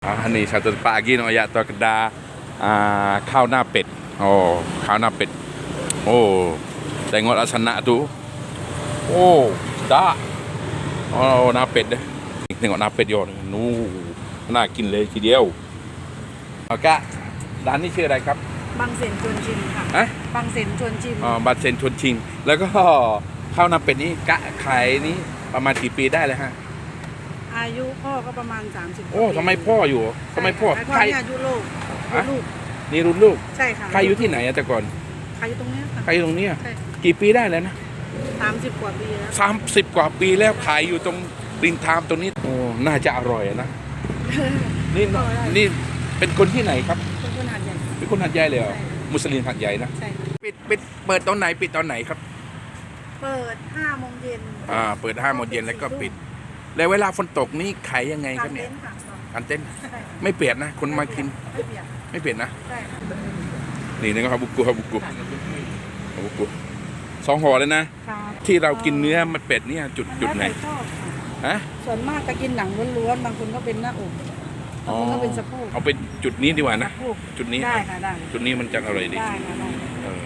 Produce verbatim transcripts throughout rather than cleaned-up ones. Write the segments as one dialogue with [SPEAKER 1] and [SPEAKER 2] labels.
[SPEAKER 1] Ah, ni satu tempat lagi nak ayat tu kedai ah, khao na pet. Oh, khao na pet. Oh, tengok laksana tu. Oh, sedap. Oh, na pet dah. Tengok na pet dia. Nu, น่ากินเลยทีเดียวเอากะร้านนี้ชื่ออะไรครับ
[SPEAKER 2] บางเสนชวนชิมค่ะ
[SPEAKER 1] ฮะ
[SPEAKER 2] บางเสนชวนชิม
[SPEAKER 1] อ๋อบัตรเซนชวนชิงแล้วก็ข้าวหน้าเป็ดนี้กะขายนี้ประมาณกี่ปีได้เลยฮะ
[SPEAKER 2] อายุพ่อก็ประมาณสามสิบ
[SPEAKER 1] โอ้ทำไมพ่ออยู่ทำไมพ่อ
[SPEAKER 2] พ่อ
[SPEAKER 1] ใคร
[SPEAKER 2] เนี่ยอายุลูก
[SPEAKER 1] ฮะ
[SPEAKER 2] ลูก
[SPEAKER 1] นี่รุ่นลูก
[SPEAKER 2] ใช่ค่ะ
[SPEAKER 1] ใครอยู่ที่ไหนอะแต่ก่อน
[SPEAKER 2] ใครอยู่ตรงเนี้ยค่ะ
[SPEAKER 1] ใครอยู่ตรงเนี้ย
[SPEAKER 2] ใช่
[SPEAKER 1] กี่ปีได้แล้วนะ
[SPEAKER 2] สามสิบกว่าปีแล้ว
[SPEAKER 1] สามสิบกว่าปีแล้วขายอยู่ตรงริมทางตรงนี้โอ้น่าจะอร่อยอะนะนี่นี่เป็นคนที่ไหนครับ
[SPEAKER 2] เป็นคนหาดใหญ่
[SPEAKER 1] เป็นคนหัดใหญ่เลยเหรอ
[SPEAKER 2] ใช่ค่ะ
[SPEAKER 1] มุสลิมหัดใหญ่นะ
[SPEAKER 2] ใช่ค่ะ
[SPEAKER 1] ปิดปิดเปิดตอนไหนปิดตอนไหนครับ
[SPEAKER 2] เปิดห้าโมงเย็น
[SPEAKER 1] อ่าเปิดห้าโมงเย็นแล้วก็ปิด แล้วเวลาฝนตกนี่ขายยังไง
[SPEAKER 2] ก
[SPEAKER 1] ค
[SPEAKER 2] ลา
[SPEAKER 1] รับ
[SPEAKER 2] ง
[SPEAKER 1] เนี่
[SPEAKER 2] เต็
[SPEAKER 1] ย
[SPEAKER 2] นท์ค่ะ
[SPEAKER 1] กันเต้น
[SPEAKER 2] ใช่ค่ะ
[SPEAKER 1] ไม่เปียกนะคนมากิน
[SPEAKER 2] ไม่เปียก
[SPEAKER 1] ไม่เปียกนะ
[SPEAKER 2] ใช่ค่ะ
[SPEAKER 1] นี่นะครับบุกุครับบุกุครับบุกุสองห่อเลยนะ
[SPEAKER 2] ครับ
[SPEAKER 1] ที่เรากินเนื้อมันเป็ดเนี่ยจุดจุดไหน
[SPEAKER 2] แล้วแต่ชอบค่ะ
[SPEAKER 1] ฮะ
[SPEAKER 2] ส่วนมากจะกินหนังล้วนๆบางคนก็เป็นหน้าอกบางคนก็เป็นสะโพก
[SPEAKER 1] เอาเป็นจุดนี้ดีกว่านะ
[SPEAKER 2] สะโพก
[SPEAKER 1] จุดนี้
[SPEAKER 2] ได้ค่ะได้
[SPEAKER 1] จุดนี้มันจะอร่อยดี
[SPEAKER 2] ได้ค่ะได้
[SPEAKER 1] เออ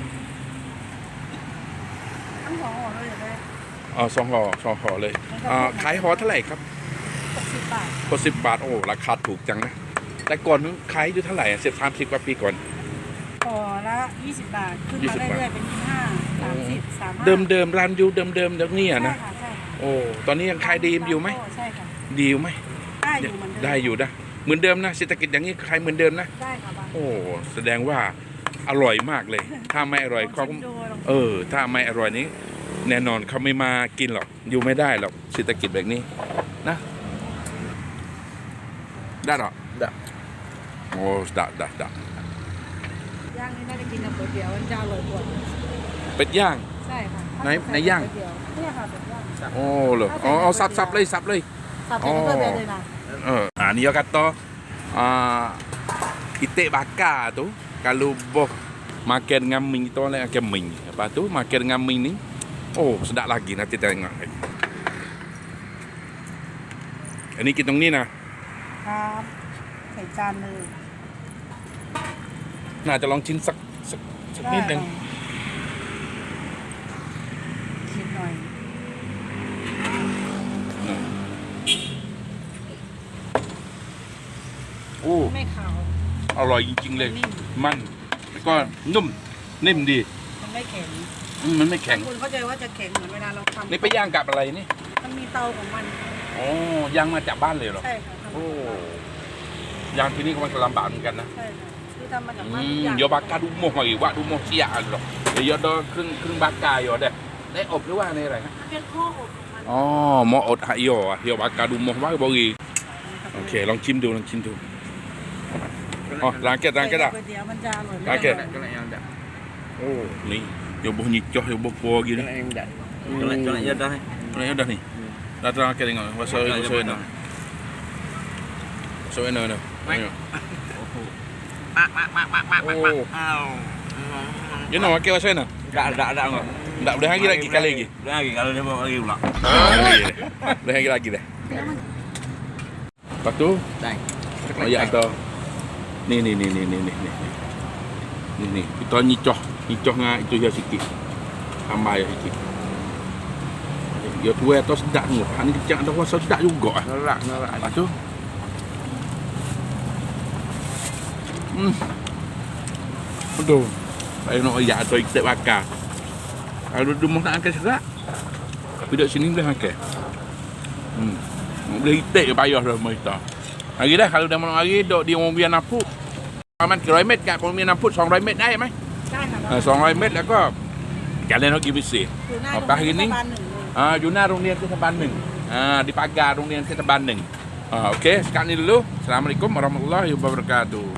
[SPEAKER 2] ทั้งสองห่อเลยอยากได้
[SPEAKER 1] เอาสองห่อสองห่อเลยอ่าขายห่อเท่าไหร่ครับ
[SPEAKER 2] หกสิบบาท
[SPEAKER 1] หกสิบบาทโอ้ราคาถูกจังนะแต่ก่อนนั้นขายอยู่เท่าไหร่สิบสามสิบกว่าปีก่อน
[SPEAKER 2] ห่อละยี่สิบบาท ขึ้น
[SPEAKER 1] ยี่
[SPEAKER 2] มา
[SPEAKER 1] สิบบาท
[SPEAKER 2] เรื่อยๆเป็นยี่สิบห้าสามสิบสามห้า
[SPEAKER 1] เดิมเดิมร้านอยู่เดิมเดิมเดี๋ยวนี้
[SPEAKER 2] ใช่
[SPEAKER 1] อะนะ
[SPEAKER 2] ค่ะใช่ค่ะ
[SPEAKER 1] โอ้ตอนนี้ยังขายดีอยู่ไหม
[SPEAKER 2] ใช่ค่ะ
[SPEAKER 1] ดีอยู่ไหม
[SPEAKER 2] ได้อยู่เหมือนเดิม
[SPEAKER 1] ได้อยู่นะเหมือนเดิมนะเศรษฐกิจอย่างนี้ขายเหมือนเดิมนะ
[SPEAKER 2] ได้ค่ะบาง
[SPEAKER 1] โอ้แสดงว่าอร่อยมากเลย ถ้าไม่อร่อย
[SPEAKER 2] ล
[SPEAKER 1] เขา
[SPEAKER 2] งชิมดูลอง
[SPEAKER 1] เออ ถ้าไม่อร่อยนี้ แน่นอนเขาไม่มากินหรอกอยู่ไม่ได้หรอกเศรษฐกิจแบบนี้นะได้หรอได้โอ้ได้ได้ได้
[SPEAKER 2] ย่างนี่น่าจะกินกับก๋วยเตี๋ยวมันจะอร่อยกว่า
[SPEAKER 1] เป็ดย่าง
[SPEAKER 2] ใช่ค่ะ
[SPEAKER 1] ไหนไหนย่าง
[SPEAKER 2] ก๋วเตี๋วเนี่ยค่ะเป็ดย่าง
[SPEAKER 1] โอ้เหรออ๋อเอาสับสับเลยสับเลย
[SPEAKER 2] สับเป็นก๋วยเตี๋ยวเลยนะ
[SPEAKER 1] Uh, ah, ni dia kata uh, itik bakar tu kalau boh makan dengan mi tu lah makan mi. Lepas tu makan dengan mi ni oh sedap lagi nanti tengok. Ini kita ni nah.
[SPEAKER 2] ครับใส่จานเลย
[SPEAKER 1] น่าจะลองชิมสักสักสักนิดหนึง
[SPEAKER 2] ชิมหน่อย
[SPEAKER 1] โอ้
[SPEAKER 2] ไม่ขาว
[SPEAKER 1] อร่อยจริงๆเลย
[SPEAKER 2] นิ่ม
[SPEAKER 1] มันแล้วก็นุ่มนิ่มดี
[SPEAKER 2] มันไม่แข็ง
[SPEAKER 1] อืมมันไม่แข็ง
[SPEAKER 2] คุณเข้าใจว่าจะแข็งเหมือนเวลาเราทำ
[SPEAKER 1] นี่ไปย่างกับอะไรนี่
[SPEAKER 2] มันมีเตาของมัน
[SPEAKER 1] อ๋อย่างมาจากบ้านเลยเหรอ
[SPEAKER 2] ใช่ค่ะทำ
[SPEAKER 1] โอ้ย่างที่นี่ก็มันก็ลำบากเหมือนกันนะ
[SPEAKER 2] ใช่ค่ะคือทำมาจากบ้าน
[SPEAKER 1] อื
[SPEAKER 2] ทุก
[SPEAKER 1] ม
[SPEAKER 2] อย่าง
[SPEAKER 1] โยบากาดูโมหอยว่าดูโมเสียอันหรอกเดี๋ยวโดครึ่งครึ่งบากาโยเด้ได้อบหรือว่าในอะไรฮะ
[SPEAKER 2] เป็นข้ออบของมัน
[SPEAKER 1] อ๋อหมออดหายโยอ่ะโยบากาดูโมว่าบรีโอเคลองชิมดูลองชิมดูอ๋อร้านแกร้านแกได้
[SPEAKER 2] ก๋วยเตี๋ยวมันจะอร่อย
[SPEAKER 1] โอเค
[SPEAKER 2] ไม่
[SPEAKER 3] Cái này em đặt.
[SPEAKER 1] โอ้นี่โยบหยิกจ่อโยบปัวกิน
[SPEAKER 3] Cái này em đặt. Cái này cái này dân đây.
[SPEAKER 1] อะไรเด้อนี่ร้านร้านแกยังไงว่าซอยซอยน่ะซอยน่ะน่ะ
[SPEAKER 3] Mạc mạc mạc mạc mạc mạc mạc. Ao.
[SPEAKER 1] you know what was saying
[SPEAKER 3] Đã đã đã rồi.
[SPEAKER 1] tak boleh lagi lagi kali lagi
[SPEAKER 3] Udah lagi kalau dia mau lagi pula.
[SPEAKER 1] boleh lagi lagi dah lepas tu
[SPEAKER 3] Đây.
[SPEAKER 1] ayat kata ni ni ni ni ni ni ni ni ni kita nyicoh nyicoh dengan itu dia sikit tambah ya sikit dia tuai atau sedap ni hak ni kecak dah rasa sedap juga ah
[SPEAKER 3] Nó lạ nó lạ.
[SPEAKER 1] lepas tu hmm betul saya nak ayat atau ikat bakar kalau dia mau nak makan serak tapi duduk sini boleh makan hmm boleh itik payah dah mai tak hari dah kalau dah malam hari duduk di Wong Bian Napukประมาณกี่ร้อยเมตรจากโรงเรียนน้ำพุสองร้อยเมตรได้ไหม
[SPEAKER 2] ได้ค่ะ
[SPEAKER 1] สองร้อยเมตรแล้วก็การเล่นฮอกกี้พิเศษ
[SPEAKER 2] อยู่หน้า
[SPEAKER 1] เอา
[SPEAKER 2] โรง
[SPEAKER 1] ไป
[SPEAKER 2] เรียน
[SPEAKER 1] กินนี่
[SPEAKER 2] เทศบาลหนึ่งเลย
[SPEAKER 1] อ่าอยู่หน้าโรงเรียนเทศบาลหนึ่งอ่าdi pagarโรงเรียนเทศบาลหนึ่งอ่าโอเคsekarang ini dulu Assalamualaikum warahmatullahi wabarakatuh